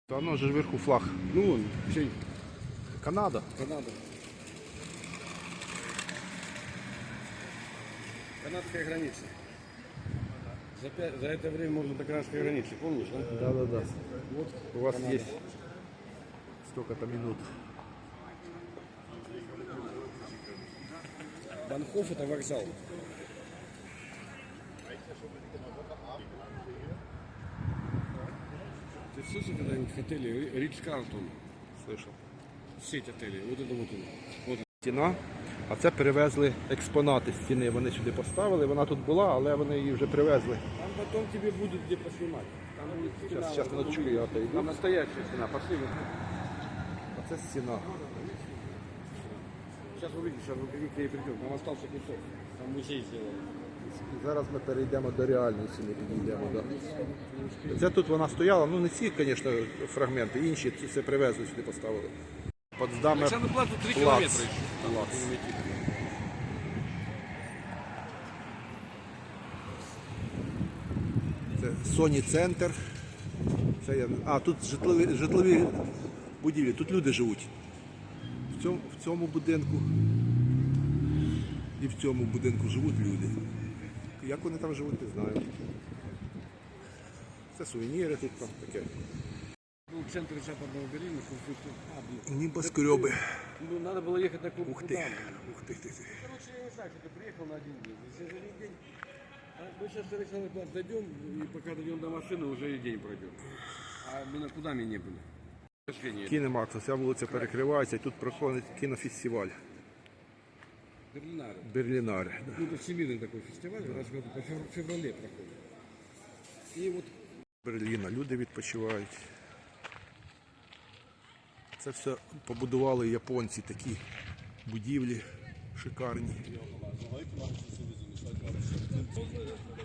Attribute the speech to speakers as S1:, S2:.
S1: Оно же вверху флаг.
S2: Ну вон, чей?
S1: Канада.
S2: Канада. Канадская граница. За это время можно до канадской границы, помнишь, да?
S1: Да.
S2: Вот
S1: У вас
S2: Канада.
S1: есть столько-то минут.
S2: Банхоф это вокзал. Ты слышал когда-нибудь в отеле Ридж-Карлтон?
S1: Слышал.
S2: Сеть отелей. Вот это вот он. Вот.
S1: Стіна, а це перевезли експонати з стіни. Вони сюди поставили, вона тут була, але вони її вже привезли.
S2: Там потом тебе будет где поснимать. Там будет стена.
S1: Сейчас минуточку, я отойду.
S2: Там настоящая стена. Пошли.
S1: А це стіна.
S2: Сейчас увидишь, сейчас мы к ней придем. Там остался кусок. Там музей сделали.
S1: Зараз ми перейдемо до реальної стіни, підійдемо. Да. Це тут вона стояла, ну не ці, звісно, фрагменти, інші це привезли сюди, поставили. Потсдамер
S2: Александр Плац 3
S1: Плац.
S2: километра еще.
S1: Плац. Це Sony Центр. Це я... А, тут житлові будівлі, тут люди живуть. В цьому будинку і в цьому будинку живуть люди. Як вони там живуть, не знаю. Це сувеніри тут там таке.
S2: Был в центре Западного Берлина.
S1: Небоскреби.
S2: Ну, надо было ехать на клуб.
S1: Ух ти. Ух ти.
S2: Короче, я не знаю, что ты приехал на один день. Если за один день... Мы сейчас до Александра Плац дойдем, и пока дойдем до машины, уже и день пройдет. А мы на Кудаме не были.
S1: Кінемакс, ця вулиця перекривається, і тут проходить кінофестиваль.
S2: Берлинаре.
S1: Берлінаре.
S2: Ну, это всемирный такой фестиваль, раз в году, по феврале проходит. И вот
S1: Берліна, люди відпочивають. Це все побудували японці, такі будівлі шикарні.